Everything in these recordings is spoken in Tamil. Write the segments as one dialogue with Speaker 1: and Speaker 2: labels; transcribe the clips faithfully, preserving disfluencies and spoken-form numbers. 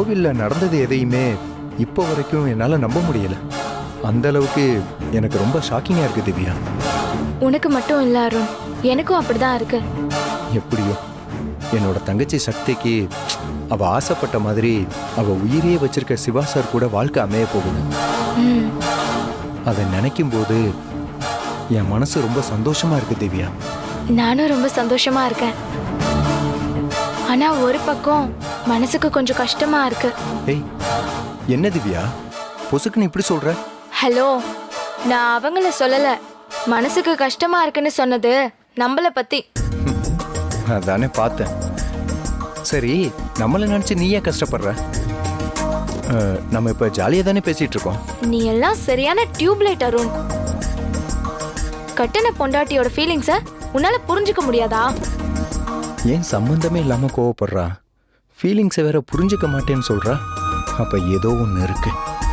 Speaker 1: கோவில்ல நடந்தது எதையுமே இப்போ வரைக்கும் என்னால நம்ப முடியல. அந்த அளவுக்கு எனக்கு ரொம்ப ஷாக்கிங்கா இருக்கு திவ்யா.
Speaker 2: உனக்கு மட்டும் இல்ல அருண், எனக்கும் அப்படிதான் இருக்கு.
Speaker 1: எப்படியோ என்னோட தங்கச்சி சக்திக்கு அவ ஆசைப்பட்ட மாதிரி அவ உயிரையே வச்சிருக்க சிவா சார் கூட வாழ்க்கை அமைய போகுது.
Speaker 2: ம்,
Speaker 1: அதை நினைக்கும் போது என் மனசு ரொம்ப சந்தோஷமா இருக்கு திவ்யா.
Speaker 2: நானும் ரொம்ப சந்தோஷமா இருக்கேன். ஆனா ஒரு பக்கம் மனசுக்கு கொஞ்சம் கஷ்டமா இருக்கு.
Speaker 1: ஏய், என்ன திவ்யா பொசுக்குன்னு இப்படி சொல்ற?
Speaker 2: ஹலோ, நான் அவங்கள சொல்லல. மனசுக்கு கஷ்டமா இருக்குன்னு சொன்னது நம்மள பத்தி.
Speaker 1: அதானே பார்த்தேன். சரி, நம்மள நினைச்சு நீ ஏன் கஷ்டப்படுற? அஹ், நம்ம இப்ப ஜாலியா தானே பேசிட்டு இருக்கோம்.
Speaker 2: நீ எல்லாம் சரியான டியூப்லைட் அருண். கட்டண பொண்டாட்டியோட ஃபீலிங்ஸ உன்னால புரிஞ்சுக்க முடியாதா?
Speaker 1: ஏன் சம்பந்தமே இல்லாம கோவப்படுறா? ஃபீலிங்ஸை வேற புரிஞ்சுக்க மாட்டேன்னு சொல்றா. அப்ப ஏதோ ஒண்ணு இருக்கு.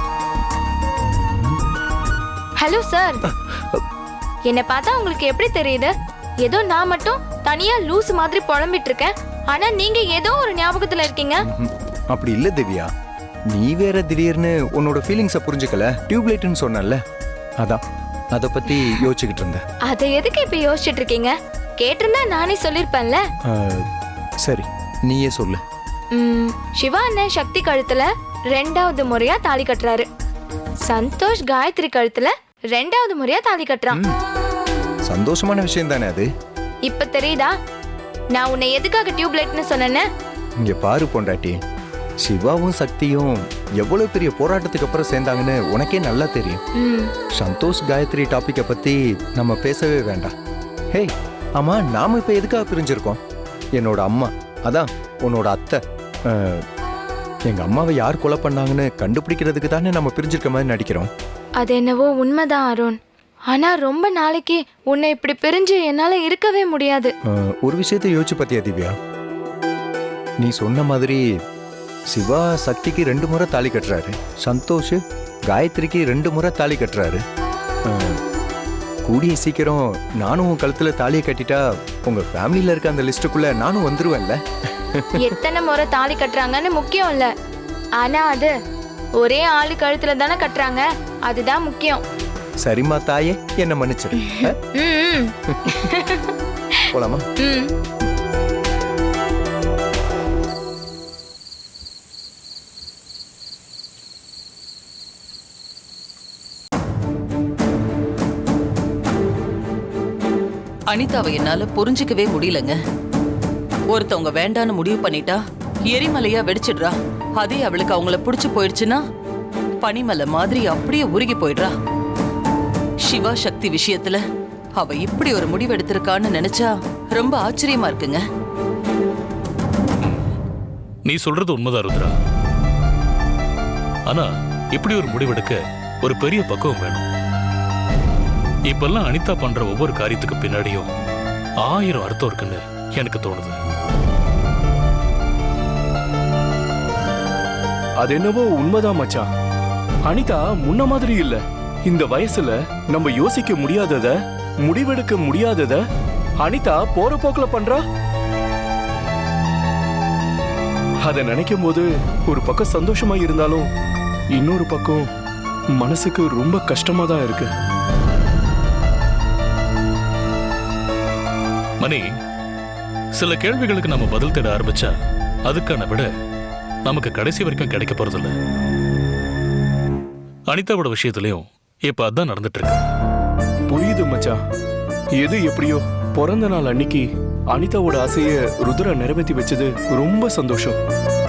Speaker 2: ஹலோ சார், என்னை பார்த்தா உங்களுக்கு எப்படி தெரியுது? ஏதோ நான் மட்டும் தனியா லூஸ் மாதிரி புலம்பிட்டு இருக்கேன், ஆனா நீங்க ஏதோ ஒரு ஞாபகத்துல இருக்கீங்க.
Speaker 1: ம்ஹும். அப்படி இல்ல திவ்யா, நீ வேற திடீர்னு உன்னோட ஃபீலிங்ஸை புரிஞ்சுக்கல, டியூப்லைட்னு சொன்னல, அதான் அதை பத்தி யோசிச்சுக்கிட்டு இருந்தேன்.
Speaker 2: அதை எதுக்கு இப்ப யோசிச்சுட்டு இருக்கீங்க? கேட்டிருந்தா நானே சொல்லிருப்பேன்ல.
Speaker 1: அஹ், சரி, நீயே சொல்லு.
Speaker 2: ம், சிவா அண்ணன் சக்தி கழுத்துல ரெண்டாவது முறையா தாலி கட்டுறாரு. சந்தோஷ் காயத்ரி கழுத்துல ரெண்டாவது முறையா தாலி கட்டுறான்.
Speaker 1: ம், சந்தோஷமான விஷயம் தானே அது.
Speaker 2: இப்ப தெரியுதா நான் உன்னை எதுக்காக டியூப்லைட்னு சொன்னேன்னு?
Speaker 1: இங்க பாரு பொண்டாட்டி, சிவாவும் சக்தியும் எவ்வளவு பெரிய போராட்டத்துக்கு அப்புறம் சேர்ந்தாங்கன்னு உனக்கே நல்லா தெரியும்.
Speaker 2: ம்,
Speaker 1: சந்தோஷ் காயத்ரி டாபிக்கை பத்தி நம்ம பேசவே வேண்டாம். ஹே, ஆமா, நாம இப்ப எதுக்காக பிரிஞ்சிருக்கோம்? என்னோட அம்மா, அதான் உன்னோட அத்தை, அஹ், எங்க அம்மாவை யார் கொலை பண்ணாங்கன்னு கண்டுபிடிக்கிறதுக்கு தானே நம்ம பிரிஞ்சிருக்க மாதிரி நடிக்கிறோம்.
Speaker 2: அது என்னவோ உண்மைதான் அருண். ஆனா ரொம்ப நாளைக்கு உன்னை இப்படி பிரிஞ்சு என்னால இருக்கவே முடியாது.
Speaker 1: அஹ், ஒரு விஷயத்தை யோசிச்சு பார்த்தியா திவ்யா? நீ சொன்ன மாதிரி சிவா சக்திக்கு ரெண்டு முறை தாலி கட்டுறாரு, சந்தோஷ் காயத்ரிக்கு ரெண்டு முறை தாலி கட்டுறாரு. அஹ், கூடிய சீக்கிரம் நானும் உன் கழுத்துல தாலியை கட்டிட்டா உங்க ஃபேமிலியில இருக்க அந்த லிஸ்டுக்குள்ள நானும் வந்துருவேன்ல.
Speaker 2: எத்தனை முறை தாலி கட்டுறாங்கன்னு முக்கியம் இல்ல, ஆனா அது ஒரே ஆளு கழுத்துல தானே கட்டுறாங்க, அதுதான் முக்கியம்.
Speaker 1: சரிம்மா தாயே, என்ன மன்னிச்சிரு. அஹ்,
Speaker 2: ம்,
Speaker 1: போலாமா?
Speaker 2: ம்.
Speaker 3: அனிதாவை என்னால புரிஞ்சுக்கவே முடியலங்க. ஒருத்தவங்க வேண்டான்னு முடிவு பண்ணிட்டா எரிமலையா வெடிச்சிடுறா. அதே அவளுக்கு அவங்கள பிடிச்சு போயிடுச்சுன்னா பனிமலை மாதிரி அப்படியே உருகி போயிடுறா. சிவா சக்தி விஷயத்துல அவ இப்படி ஒரு முடிவு எடுத்திருக்கான்னு நினைச்சா ரொம்ப ஆச்சரியமா இருக்குங்க.
Speaker 4: நீ சொல்றது உண்மைதான் ருத்ரா. ஆனா இப்படி ஒரு முடிவெடுக்க ஒரு பெரிய பக்குவம் வேணும். இப்பெல்லாம் அனிதா பண்ற ஒவ்வொரு காரியத்துக்கு பின்னாடியும் ஆயிரம் அர்த்தம் இருக்குன்னு எனக்கு தோணுது.
Speaker 5: அது என்னவோ உண்மைதான் மச்சான். அனிதா முன்ன மாதிரி இல்ல. இந்த வயசுல நம்ம யோசிக்க முடியாதத, முடிவெடுக்க முடியாதத அனிதா போற போக்குல பண்றா. அத நினைக்கும் போது ஒரு பக்கம் சந்தோஷமா இருந்தாலும் இன்னொரு பக்கம் மனசுக்கு ரொம்ப கஷ்டமா தான் இருக்கு.
Speaker 4: மணி, சில கேள்விகளுக்கு நம்ம பதில் தேட ஆரம்பிச்சா அதுக்கான விட நமக்கு கடைசி வரைக்கும் கிடைக்க போறதில்ல. அனிதாவோட விஷயத்திலையும் இப்ப அதான் நடந்துட்டு இருக்கு.
Speaker 5: புரியுது மச்சான். எது எப்படியோ பிறந்த நாள் அன்னைக்கு அனிதாவோட ஆசைய ருத்ரா நிறைவேற்றி வச்சது ரொம்ப சந்தோஷம்.